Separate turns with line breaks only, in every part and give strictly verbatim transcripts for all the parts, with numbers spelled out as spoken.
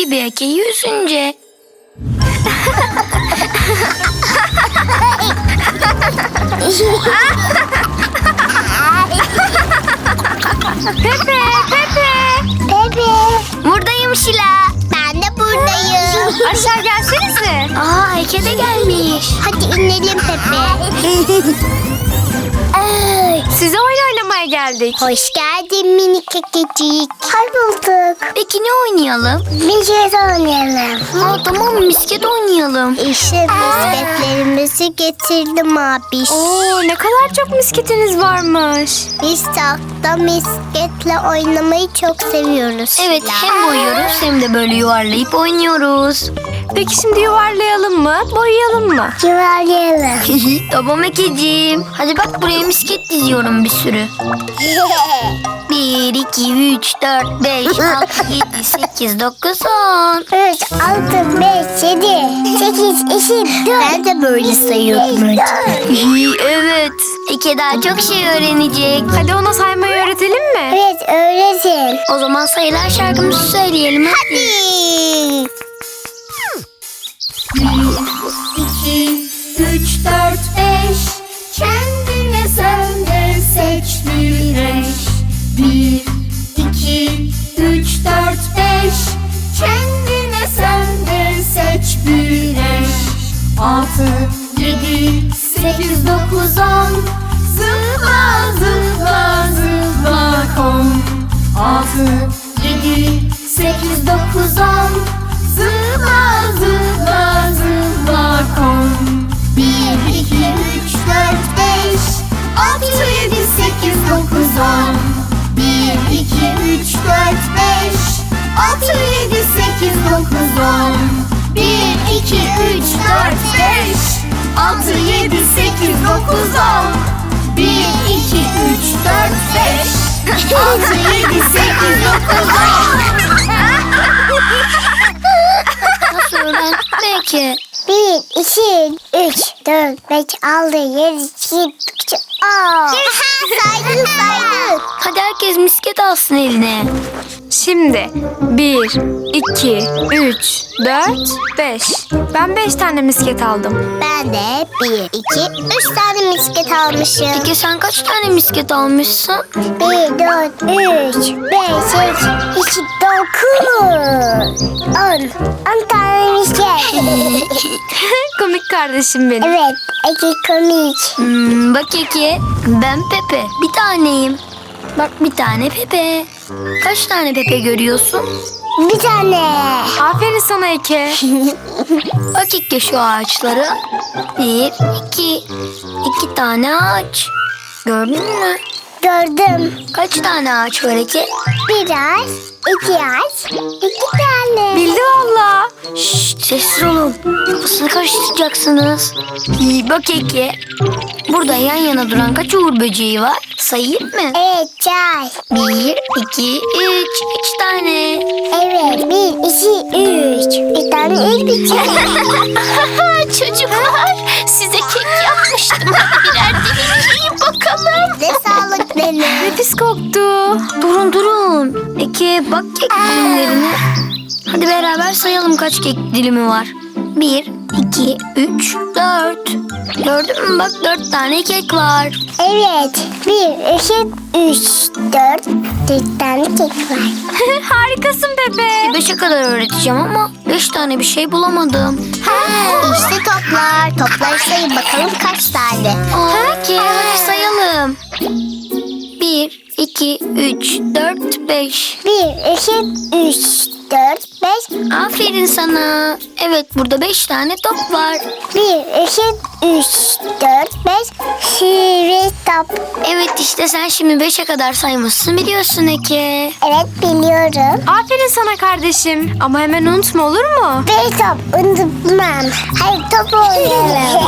gibi Eke'yi üzünce.
Pepe, Pepe.
Pepe.
Buradayım Şila.
Ben de buradayım.
Aşağı gelsenize.
Aa, Eke de gelmiş.
Hadi inelim Pepe. Ay,
Size oyun oynamaya geldik.
hoş geldin minik kekecik. Hoş bulduk.
Peki ne oynayalım?
Misket oynayalım.
Aa, tamam, misket oynayalım.
İşte misketlerimizi getirdim abi.
Oo, ne kadar çok misketiniz varmış.
Biz tahta misketle oynamayı çok seviyoruz.
Evet, hem boyuyoruz hem de böyle yuvarlayıp oynuyoruz.
Peki şimdi yuvarlayalım mı, boyayalım mı?
Yuvarlayalım.
Tamam Ekeciğim. Hadi bak, buraya misket diziyorum bir sürü. Bir, iki, üç, dört, beş, altı, yedi, sekiz, dokuz, on.
üç, altı, beş, yedi, sekiz, iki, dört. Ben de böyle sayıyordum önce.
Evet. Eke daha çok şey öğrenecek.
Hadi ona saymayı öğretelim mi?
Evet, öğretin.
O zaman sayılar şarkımızı söyleyelim. Hadi.
İki, üç, dört, beş. Kendine sen de seç bir eş. Bir, iki, üç, dört, beş. Kendine sen de seç bir eş. Altı, yedi, sekiz, dokuz, on. Zıpla, zıpla, zıpla kon. Altı, yedi, sekiz, dokuz, on. Zıpla, zıpla, zıpla kon. Bir, iki, üç, dört, beş. Altı, yedi, sekiz, dokuz, on. Bir, iki, üç, dört, beş. Altı, yedi, sekiz, dokuz, on. Bir, iki, üç, dört, beş. Altı, yedi, sekiz, dokuz, on. Bir, iki, üç, dört, beş. Altı, yedi, sekiz, dokuz, on.
Nasıl öğrendin Eke?
Bir, iki, üç, dört, beş, altı, yedi, sekiz, on. Saydık saydık.
Hadi herkes misket alsın eline.
Şimdi bir, iki, üç, dört, beş. Ben beş tane misket aldım.
Ben de bir, iki, üç tane misket almışım.
Eke, sen kaç tane misket almışsın?
Bir, dört, üç, beş, üç, iki, dokuz, on. On tane misket.
Komik kardeşim benim.
Evet, iki komik.
Hmm, bak Eke, ben Pepe. Bir taneyim. Bak, bir tane Pepe. Kaç tane Pepe görüyorsun?
Bir tane.
Aferin sana Eke.
Bak Eke şu ağaçlara. Bir, iki. İki tane ağaç. Gördün mü?
Gördüm.
Kaç tane ağaç var Eke?
Bir ağaç, iki ağaç, iki tane.
Bildi valla.
Şşt, sessiz olun. Kafasını karıştıracaksınız. İyi bak Eke. Burada yan yana duran kaç uğur böceği var? Sayayım mı?
Evet, çay.
Bir, iki, üç. Üç tane.
Evet, bir, iki, üç. Bir tane el bıçağı.
Çocuklar, size kek yapmıştım. Hadi birer dilim yiyin bakalım.
Ne sağlık benim.
Nefis koktu.
Durun durun. Eke, bak kek dilimlerine. Hadi beraber sayalım kaç kek dilimi var. Bir, iki, üç, dört. Gördün mü, bak dört tane kek var.
Evet, bir, iki, üç, dört. Dört tane kek var.
Harikasın Pepe.
Beşe kadar öğreteceğim ama beş tane bir şey bulamadım.
İşte toplar. Topları sayın bakalım kaç tane.
Aa, Eke, hadi sayalım. Bir, iki, üç, dört, beş.
Bir, iki, üç, dört, beş.
Aferin sana. Evet, burada beş tane top var.
Bir, iki, üç, dört, beş. Sivri top.
Evet, işte sen şimdi beşe kadar saymışsın, biliyorsun Eke.
Evet, biliyorum.
Aferin sana kardeşim. Ama hemen unutma, olur mu?
Bir top unutmam. Hayır, top oynayalım.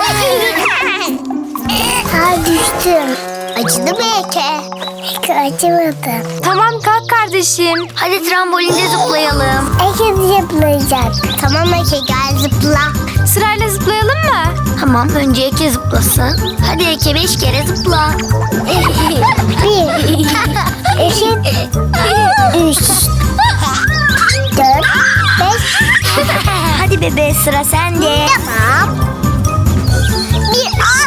Ha, düştüm. Acıdı mı Eke? Eke acımadı.
Tamam, kalk kardeşim.
Hadi trambolinde zıplayalım.
Eke zıplayacak. Tamam Eke, gel zıpla.
Sırayla zıplayalım mı?
Tamam, önce Eke zıplasın. Hadi Eke beş kere zıpla.
Bir, iki, üç, dört, beş.
Hadi bebe, sıra sende.
Tamam. Bir A.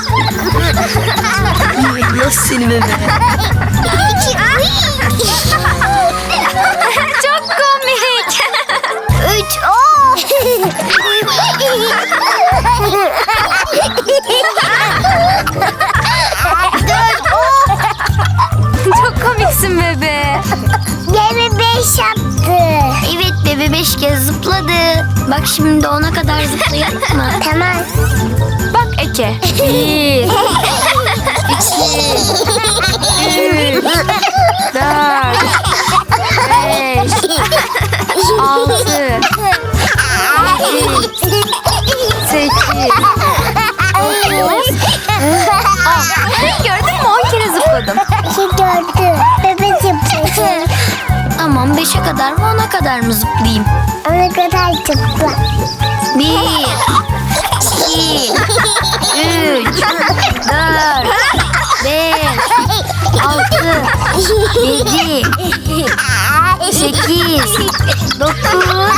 Nasıl seni bebe?
İki A.
Çok komik.
Üç O. Dört O.
Çok komiksin bebe.
Gemi beş yaptı.
Evet bebe, beş kez zıpladı. Bak şimdi ona kadar zıplayalım mı?
Tamam.
Bak Eke. Bir, üç, dört, beş, altı, yedi, sekiz, dokuz. Aa, gördün mü? On kere zıpladım.
İki gördü. Bebe zıpladı.
Tamam, beşe kadar mı ona kadar mı zıplayayım?
Ona kadar zıpla.
Bir, iki, üç, dört, beş, altı, yedi, sekiz, dokuz.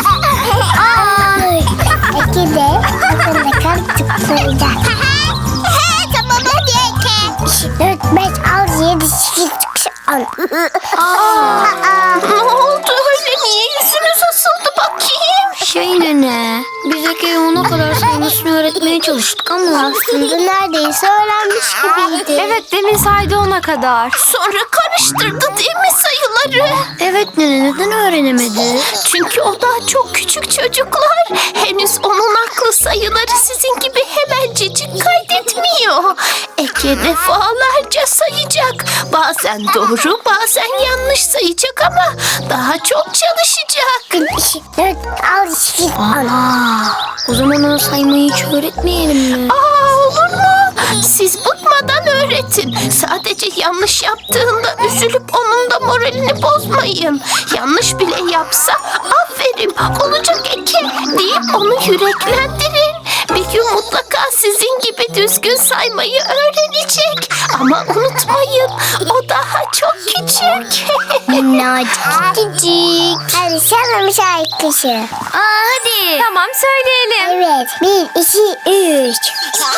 Ay. İki de bakın bakalım zıplayacak. Tamam hadi Eke. Dört, beş, altı, yedi, sekiz, dokuz, on.
Aa,
Ne
oldu öyle? Niye yüzünüz asıldı bakayım? Şey nene, biz Eke'ye ona kadar saymasını öğretmeye çalıştık ama
Aslında neredeyse öğrenmiş gibiydi.
Evet, demin saydı ona kadar.
Sonra karıştırdı değil mi sayıları?
evet nene, neden öğrenemedi?
Çünkü o daha çok küçük çocuklar. Henüz onun aklı sayıları sizin gibi hemencecik kaydetmiyor. Eke defalarca sayacak. Bazen doğru, bazen yanlış sayacak ama daha çok çalışacak.
Dört, altı, sekiz, on.
Aa, o zaman ona saymayı hiç öğretmeyelim mi?
Aa, olur mu? Siz bıkmadan öğretin. Sadece yanlış yaptığında üzülüp onun da moralini bozmayın. Yanlış bile yapsa aferin olacak Eke deyip onu yüreklendirin. Bir gün mutlaka sizin gibi düzgün saymayı öğrenecek. Ama unutmayın, o daha çok küçük.
Minnacık küçük. Hadi sana bir şarkısı.
Aa, hadi.
Tamam, söyleyelim.
Evet. Bir, iki, üç.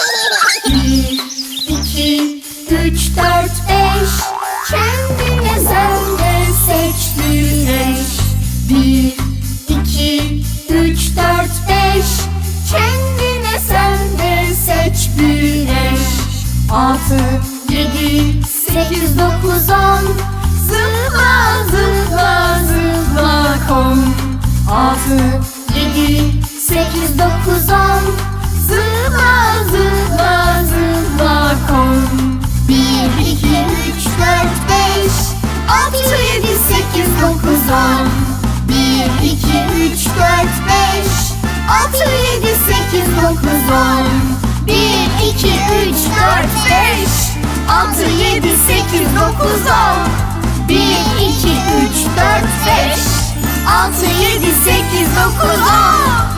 Bir, iki, üç, dört, beş. Kendine sen de seç bir eş. Bir, iki, üç, dört, beş. Kendine sen de seç bir eş. Altı, yedi, sekiz, dokuz, on. Zıpla, zıpla, zıpla kon. Altı, yedi, sekiz, dokuz, on. Zıpla, zıpla, zıpla kon. Bir, iki, üç, dört, beş. Altı, yedi, sekiz, dokuz, on. Bir, iki, üç, dört, beş. Altı, yedi, sekiz, dokuz, on. Bir, iki, üç, dört, beş. Altı, yedi, sekiz, dokuz, on. Bir, iki, üç, dört, beş. Altı, yedi, sekiz, dokuz, on.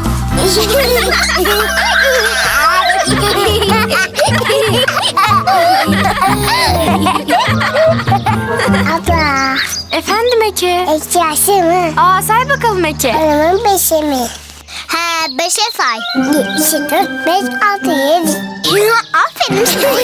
Abla.
Efendim Eke.
Eşyası mı?
Aa, say bakalım Eke.
Oranın beşi mi? He, beşe say. Bir, iki, dört, beş, altı, yedi. Aferin sana.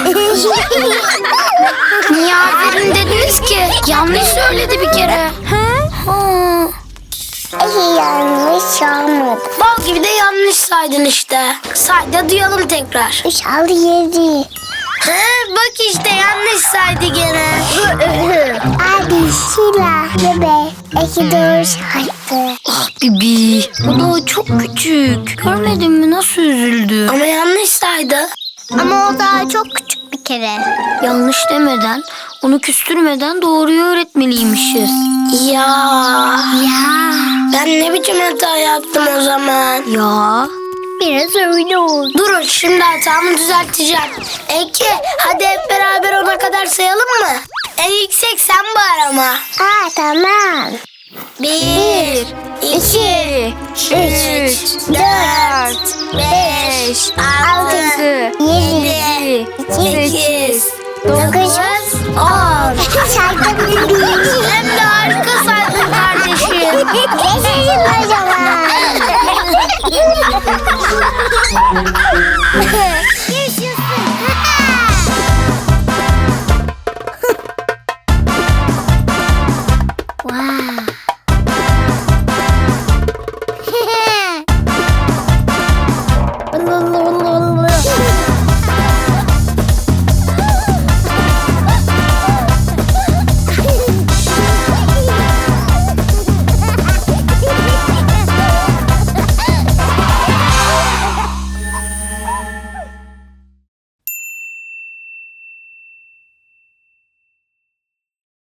Niye aferin dediniz ki? Yanlış söyledi bir kere.
Ha?
Aa,
İyi yanlış olmadı.
bal gibi de yanlış saydın işte. Say da duyalım tekrar.
Üç, altı, yedi.
He, bak işte yanlış saydı gene.
Hadi Şila. Bebe. İki doğru saydı.
Ah Bibi, o da çok küçük. Görmedin mi nasıl üzüldü? Ama yanlış saydı.
Ama o daha çok küçük bir kere.
Yanlış demeden, onu küstürmeden doğruyu öğretmeliymişiz. Ya.
Ya.
Ben ne biçim hata yaptım o zaman? Ya.
Biraz öyle oldu.
Durun, şimdi hatamı düzelteceğim. Eke, hadi hep beraber ona kadar sayalım mı? En yüksek sen bağır ama.
Aa, tamam.
Bir, iki,
üç,
dört, beş, altı,
Yedi.
sekiz,
Dokuz.
on.
Saydım bebeğim.
Hem de harika saydın kardeşim.
Yaşasın o zaman.